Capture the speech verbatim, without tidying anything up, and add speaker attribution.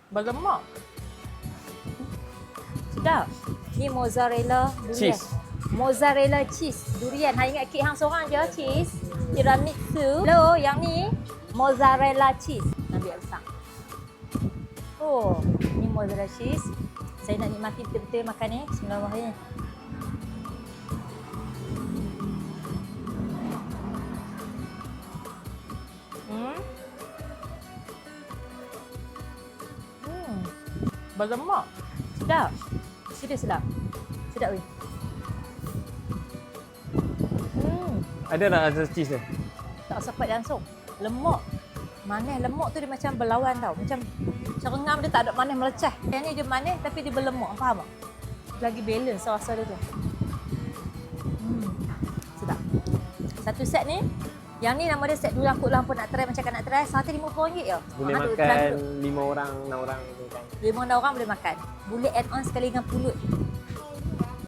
Speaker 1: Berlemak. Sedap. Ni mozzarella durian.
Speaker 2: Cheese.
Speaker 1: Mozzarella cheese durian. Hang ingat kek hang seorang je cheese. Tiramisu. Hello, yang ni mozzarella cheese. Ambil besar. Oh, ni mozzarella cheese. Saya nak nikmati betul-betul makan ni. Bismillahirrahmanirrahim. Hmm. Hmm. Berlemak. Sedap. Serius sedap. Sedap weh. Hmm.
Speaker 2: Ada tak rasa cheese dia?
Speaker 1: Tak sepat langsung. Lemak. Manis lemak tu dia macam berlawan tau. Macam cerengam dia tak ada manis melecah. Yang ni dia manis tapi dia berlemak. Faham tak? Lagi balance rasa dia tu. Hmm. Sedap. Satu set ni. Yang ni nama dia set dulu aku lampu nak try macam nak try. Satu lima puluh ringgit je.
Speaker 2: Boleh
Speaker 1: Ah, tu,
Speaker 2: makan
Speaker 1: tu, tu.
Speaker 2: lima orang, enam orang. Boleh makan.
Speaker 1: Lima orang boleh makan. Boleh add on sekali dengan pulut.